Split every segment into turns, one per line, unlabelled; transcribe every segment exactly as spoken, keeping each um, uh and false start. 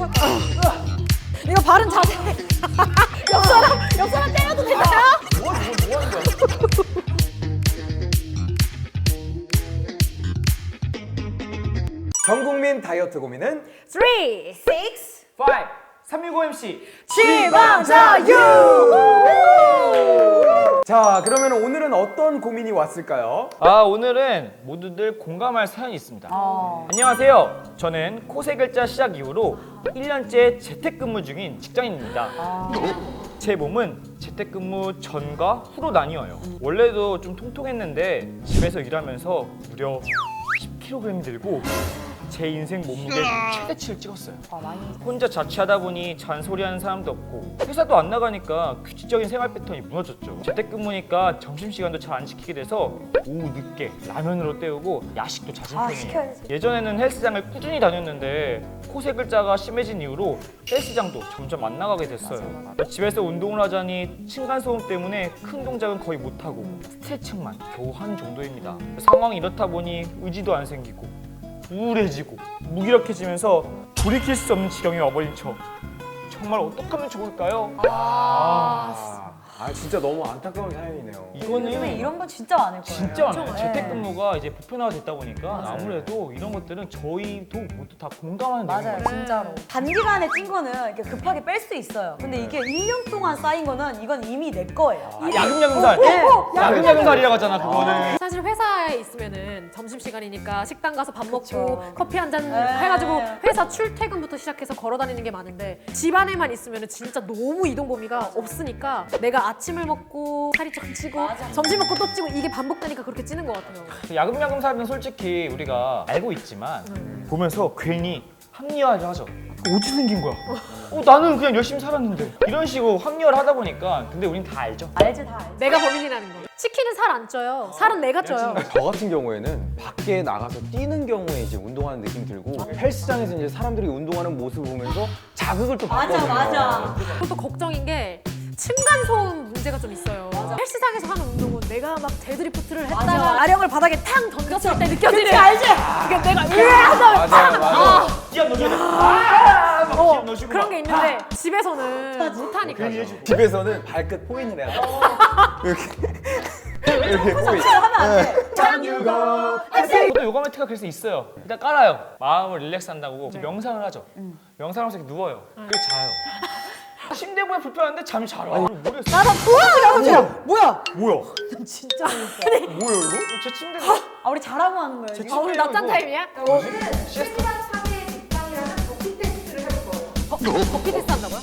이거 바른 자세. 옆 사람, 옆 사람 때려도 되나요?
뭐 하는 거야? 뭐 하는 거야?
전 국민 다이어트 고민은
삼, 육,
오, 삼육오 엠씨
지방자유!
자, 그러면 오늘은 어떤 고민이 왔을까요?
아, 오늘은 모두들 공감할 사연이 있습니다.
어.
안녕하세요. 저는 코세 글자 시작 이후로 일 년째 재택근무 중인 직장인입니다.
아.
제 몸은 재택근무 전과 후로 나뉘어요. 원래도 좀 통통했는데 집에서 일하면서 무려 십 킬로그램이 늘고 제 인생 몸무게 최대치를 찍었어요.
아, 많이.
혼자 자취하다 보니 잔소리하는 사람도 없고 회사도 안 나가니까 규칙적인 생활 패턴이 무너졌죠. 재택근무니까 점심시간도 잘 안 지키게 돼서 오후 늦게 라면으로 때우고 야식도 잦은
아,
편이에요.
시켜야지.
예전에는 헬스장을 꾸준히 다녔는데 코세 글자가 심해진 이후로 헬스장도 점점 안 나가게 됐어요.
맞아, 맞아.
집에서 운동을 하자니 층간소음 때문에 큰 동작은 거의 못하고 스트레칭만 겨우 하는 정도입니다. 상황이 이렇다 보니 의지도 안 생기고 우울해지고 무기력해지면서 돌이킬 수 없는 지경이 와버린 저 정말 어떡하면 좋을까요?
아, 아 진짜 너무 안타까운 사연이네요.
요즘에
이거는
이런 건 진짜 많을 거예요.
진짜 많아요.
네.
재택근무가 이제 보편화가 됐다 보니까
맞아요.
아무래도 이런 것들은 저희도 모두 다 공감하는
맞아요,
내용이에요.
진짜로. 단기간에 찐 거는 이렇게 급하게 뺄 수 있어요. 근데 이게 일 년 동안 쌓인 거는 이건 이미 내 거예요.
야금야금살!
네.
야금야금살이라고 하잖아, 그거는.
사실 회사에 있으면은 점심시간이니까 식당 가서 밥 먹고
그쵸.
커피 한 잔
네.
해가지고 회사 출퇴근부터 시작해서 걸어 다니는 게 많은데 집안에만 있으면은 진짜 너무 이동 범위가 없으니까 내가 아침을 먹고 살이 좀 찌고
맞아.
점심 먹고 또 찌고 이게 반복되니까 그렇게 찌는 것 같아요.
야금야금살은 솔직히 우리가 알고 있지만 보면서 괜히 합리화를 하죠. 어디 생긴 거야? 어, 나는 그냥 열심히 살았는데 이런 식으로 합리화를 하다 보니까 근데 우린 다 알죠.
알지, 다 알지.
내가 범인이라는 거. 치킨은 살 안 쪄요. 살은 내가 쪄요.
저 같은 경우에는 밖에 나가서 뛰는 경우에 이제 운동하는 느낌이 들고 헬스장에서 이제 사람들이 운동하는 모습을 보면서 자극을 또
맞아,
받거든요.
맞아.
그것도 걱정인 게 층간소음 문제가 좀 있어요. 헬스장에서 하는 운동은 내가 막 데드리프트를 했다가
맞아.
아령을 바닥에 탕 던졌을 때 느껴지는
그치, 알지?
이게 내가 으아 하다
맞아요, 맞아요.
기합 넣어줘야 돼. 아! 막
어,
기합 넣어주고
그런
막.
게 있는데 집에서는 못하니까.
집에서는 발끝 포인을 해야 돼. 이렇게 이렇게 포인.
하면 안 돼.
저도 요가 매트가 그래서 있어요. 일단 깔아요. 마음을 릴렉스한다고 명상을 하죠. 명상을 하면서 이렇게 누워요. 그리고 자요. 침대보다 불편한데 잠이 잘 와. 모르겠어.
나도 뭐야? 뭐야?
뭐야?
진짜 재밌어.
뭐야 이거? 제 침대가
아, 우리 잘하고 하는 거예요. 지금?
아, 오늘 낮잠 타임이야? 버피 테스트 한다고요?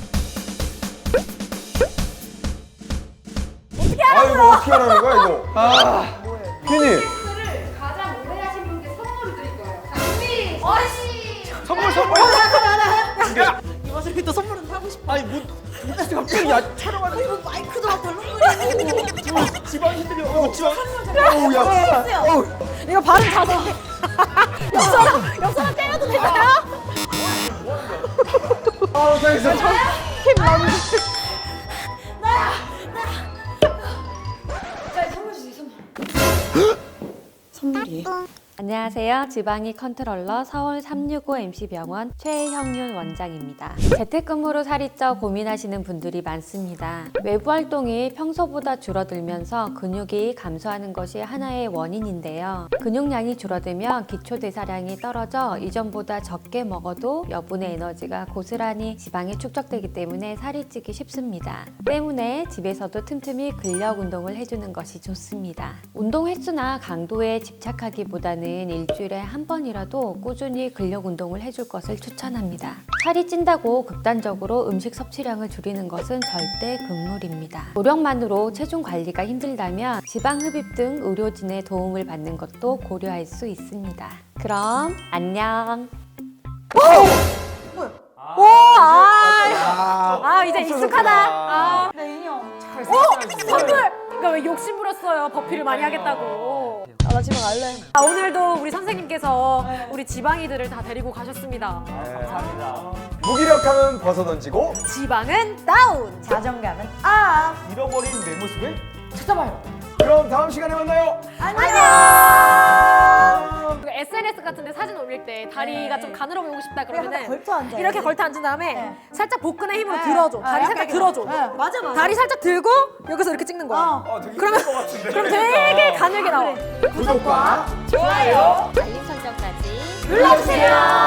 아 이거 어떻게 하라는 거야 이거? 아, 피니.
가장 오래 하신 분께 선물을 드릴 거예요. 자, 준비! 어시!
선물 선물.
이것을 또 선물은 하고 싶어.
아니 뭐 갑자기 야 촬영하는
이거 마이크도 막 덜렁거리고.
지방 힘들이 어 지방.
어우 야. 어우.
이거 바른 자세. 옆 사람, 옆 사람 때려도 되나요?
아 잘했어.
힘 너무. 나야, 나야. 자, 선물 주세요, 선물. 선물이에요?
안녕하세요. 지방이 컨트롤러 서울 삼육오 엠씨병원 최형윤 원장입니다. 재택근무로 살이 쪄 고민하시는 분들이 많습니다. 외부 활동이 평소보다 줄어들면서 근육이 감소하는 것이 하나의 원인인데요. 근육량이 줄어들면 기초대사량이 떨어져 이전보다 적게 먹어도 여분의 에너지가 고스란히 지방에 축적되기 때문에 살이 찌기 쉽습니다. 때문에 집에서도 틈틈이 근력 운동을 해주는 것이 좋습니다. 운동 횟수나 강도에 집착하기보다는 일주일에 한 번이라도 꾸준히 근력 운동을 해줄 것을 추천합니다. 살이 찐다고 극단적으로 음식 섭취량을 줄이는 것은 절대 금물입니다. 노력만으로 체중 관리가 힘들다면 지방 흡입 등 의료진의 도움을 받는 것도 고려할 수 있습니다. 그럼 안녕.
오, 아,
아 이제 익숙하다. 아,
내 인형.
선물. 그러니까 왜 욕심 부렸어요? 버피를 많이 하겠다고.
아, 나 집에 갈래.
아, 오늘도 우리 선생님께서 우리 지방이들을 다 데리고 가셨습니다.
감사합니다.
무기력함은 벗어던지고
지방은 다운.
자존감은 업.
잃어버린 내 모습을 찾아봐요.
그럼 다음 시간에 만나요.
안녕.
그 에스엔에스 같은데 사진 올릴 때 다리가
네.
좀 가늘어 보이고 싶다
그냥
그러면은
걸터 앉아.
이렇게 걸터 앉은 다음에
네.
살짝 복근의 힘으로
네.
들어줘. 다리
아,
살짝
약간
들어줘.
네. 맞아 맞아.
다리 살짝 들고 여기서 이렇게 찍는 거야.
어.
그러면 그럼 되게 가늘게 나와.
구독과
알림 설정까지
눌러주세요.